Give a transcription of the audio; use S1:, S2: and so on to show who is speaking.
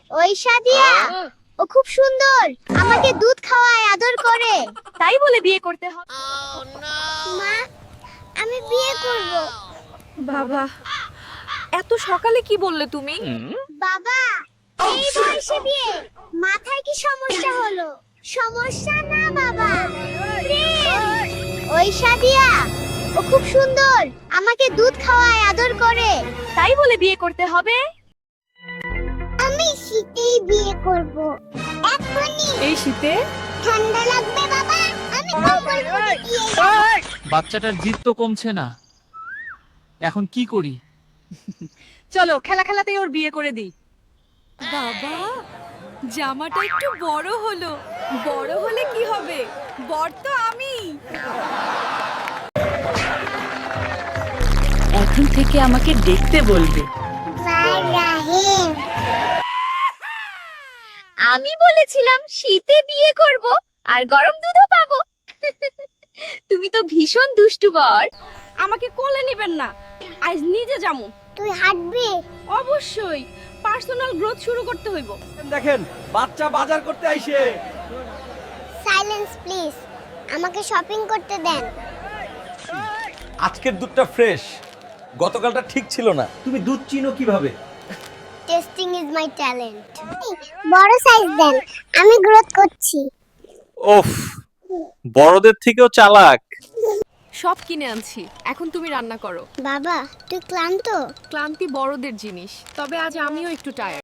S1: ওই সাদিয়া, ও খুব সুন্দর, আমাকে দুধ খাওয়ায়, আদর করে।
S2: তাই বলে বিয়ে করতে হবে?
S1: মা, আমি বিয়ে করব।
S2: বাবা, এত সকালে কি বললে তুমি?
S1: বাবা, এই বয়সে বিয়ে, মাথায় কি সমস্যা হলো? সমস্যা না বাবা, প্রেম। ওই সাদিয়া, ও খুব সুন্দর, আমাকে দুধ খাওয়ায়, আদর করে।
S2: তাই বলে বিয়ে করতে হবে?
S1: আমি শীতেই বিয়ে করব। এখনই।
S2: এই শীতে?
S1: ঠান্ডা লাগবে বাবা, আমি কম্বল মুড়ি দিয়ে যাব।
S3: বাচ্চাটার জিদ তো কমছে না, এখন কি করি?
S2: চলো খেলা খেলাতেই ওর বিয়ে করে দিই। বাবা, জামাটা একটু বড় হলো। বড় হলে কি হবে? বর তো আমি। এখন থেকে আমাকে দেখতে বলবে।
S1: রাহিম,
S2: আমি বলেছিলাম শীতে বিয়ে করব আর গরম দুধও পাবো। তুমি তো ভীষণ দুষ্টু বর। আমাকে কোলে নেবেন না, আজ নিজে যামু।
S1: তুই হাঁটবি?
S2: অবশ্যই, পার্সোনাল গ্রোথ শুরু করতে হইব।
S4: দেখেন বাচ্চা বাজার করতে আইছে।
S1: সাইলেন্স প্লিজ, আমাকে শপিং করতে দেন।
S4: আজকের দুধটা ফ্রেশ, গতকালটা ঠিক ছিল না। তুমি দুধ চিনো কিভাবে?
S1: Tasting is my talent. বড় সাইজ দেন, আমি গ্রোথ করছি।
S4: ওফ, বড়দের থেকেও চালাক।
S2: সব কিনে আনছি, এখন তুমি রান্না করো।
S1: বাবা, তুই ক্লান্ত?
S2: ক্লান্তি বড়দের জিনিস, তবে আজ আমিও একটু টায়ার্ড।